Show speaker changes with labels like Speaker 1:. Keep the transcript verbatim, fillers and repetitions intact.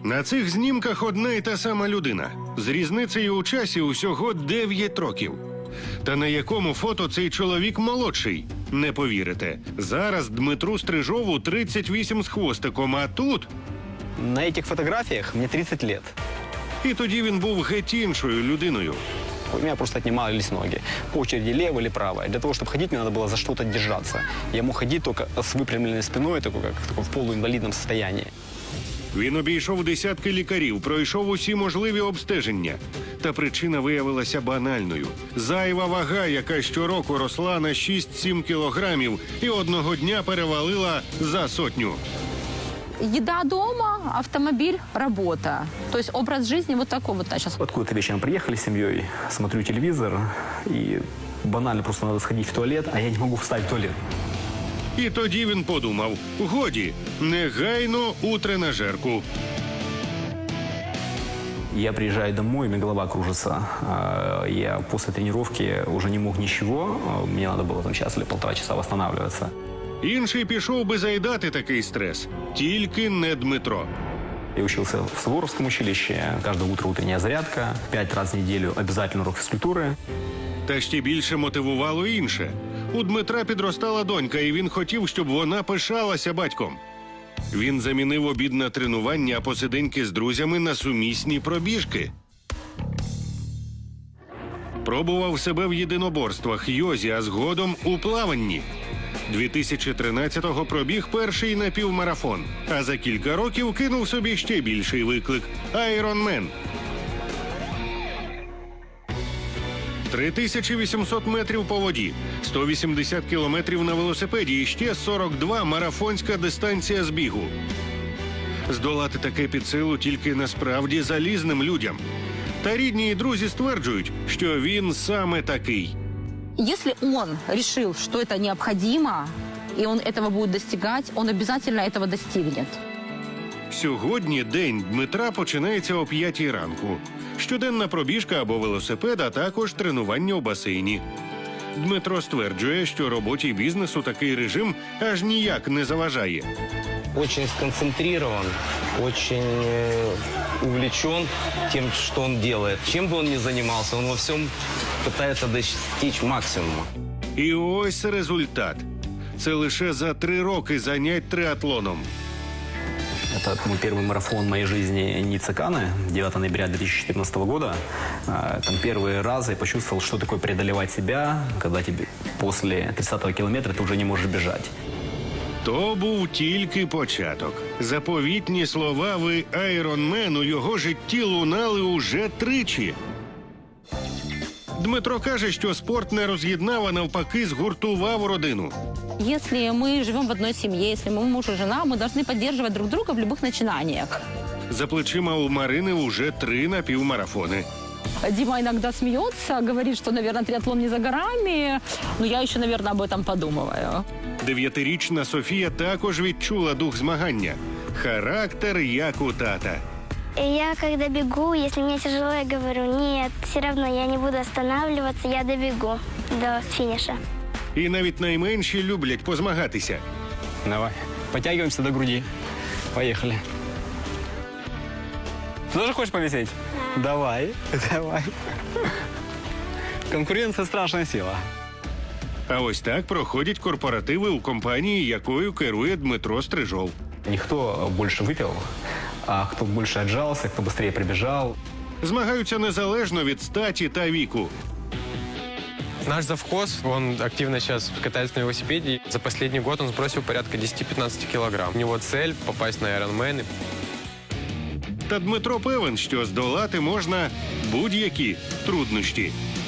Speaker 1: На цих знімках одна і та сама людина. З різницею у часі усього дев'ять років. Та на якому фото цей чоловік молодший? Не повірите. Зараз Дмитру Стрижову тридцять вісім з хвостиком, а тут...
Speaker 2: На этих фотографиях мне тридцать лет.
Speaker 1: І тоді він був геть іншою людиною.
Speaker 2: У меня просто отнимались ноги. По очереди левая или правая. Для того, чтобы ходить, мне надо было за что-то держаться. Я мог ходить только с выпрямленной спиной, такой, как такой в полуинвалидном состоянии.
Speaker 1: Він обійшов десятки лікарів, пройшов усі можливі обстеження. Та причина виявилася банальною. Зайва вага, яка щороку росла на шість-сім кілограмів і одного дня перевалила за сотню.
Speaker 3: Еда дома, автомобиль, работа. То есть образ жизни вот такой вот сейчас.
Speaker 2: Откуда-то вечером приехали с семьей, смотрю телевизор, и банально просто надо сходить в туалет, а я не могу встать в туалет.
Speaker 1: І тоді він подумав: годі, негайно у тренажерку.
Speaker 2: Я приезжаю домой, у меня голова кружится. Я после тренировки уже не мог ничего. Мне надо было там час или полтора часа восстанавливаться.
Speaker 1: Інший пішов би заїдати такий стрес. Тільки не Дмитро.
Speaker 2: Я учился в Суворовском училище. Каждое утро утренняя зарядка. Пять раз в неделю обязательно урок физкультуры.
Speaker 1: Та ще більше мотивувало інше. У Дмитра підростала донька, і він хотів, щоб вона пишалася батьком. Він замінив обід на тренування, а посиденьки з друзями на сумісні пробіжки. Пробував себе в єдиноборствах, йозі, а згодом у плаванні. дві тисячі тринадцятого пробіг перший напівмарафон, а за кілька років кинув собі ще більший виклик – Айронмен. три тисячі вісімсот метрів по воді, сто вісімдесят кілометрів на велосипеді і ще сорок два марафонська дистанція з бігу. Здолати таке під силу тільки насправді залізним людям. Та рідні і друзі стверджують, що він саме такий.
Speaker 3: Если он решил, что это необходимо, и он этого будет достигать, он обязательно этого достигнет.
Speaker 1: Сьогодні день Дмитра починається о п'ятій ранку. Щоденна пробіжка або велосипед, а також тренування у басейні. Дмитро стверджує, що роботі і бізнесу такий режим аж ніяк не заважає.
Speaker 4: Очень сконцентрирован, очень э, увлечен тем, что он делает. Чем бы он ни занимался, он во всем пытается достичь максимума.
Speaker 1: І ось результат. Це лише за три роки занять триатлоном.
Speaker 2: Это мой первый марафон в моей жизни Ниццеканы, девятого ноября две тысячи четырнадцатого года. Там первый раз я почувствовал, что такое преодолевать себя, когда тебе после тридцатого километра ты уже не можешь бежать.
Speaker 1: То був тільки початок. Заповітні слова «Ви Айронмен» у його житті лунали уже тричі. Дмитро каже, що спорт не роз'єднав, а навпаки згуртував родину.
Speaker 3: Если мы живем в одной семье, если мы муж и жена, мы должны поддерживать друг друга в любых начинаниях.
Speaker 1: За плечима у Марини уже три напівмарафони.
Speaker 3: Дима иногда смеется, говорит, что, наверное, триатлон не за горами, но я еще, наверное, об этом подумываю.
Speaker 1: Дев'ятирічна Софія також відчула дух змагання. Характер як у тата.
Speaker 5: И я, когда бегу, если мне тяжело, я говорю: нет, все равно я не буду останавливаться, я добегу до финиша.
Speaker 1: І навіть найменші люблять позмагатися.
Speaker 2: Давай, подтягиваемся до груди. Поехали. Тоже хочешь повисеть? Давай, давай. Конкуренция – страшная сила.
Speaker 1: А ось так проходять корпоративи у компанії, якою керує Дмитро Стрижов.
Speaker 2: Не кто больше выпил, а кто больше отжался, кто быстрее прибежал.
Speaker 1: Змагаються незалежно від статі та віку.
Speaker 6: Наш завхоз, он активно сейчас катается на велосипеде. За последний год он сбросил порядка десять-пятнадцать килограмм. У него цель – попасть на Ironman.
Speaker 1: Та Дмитро певен, що здолати можна будь-які труднощі.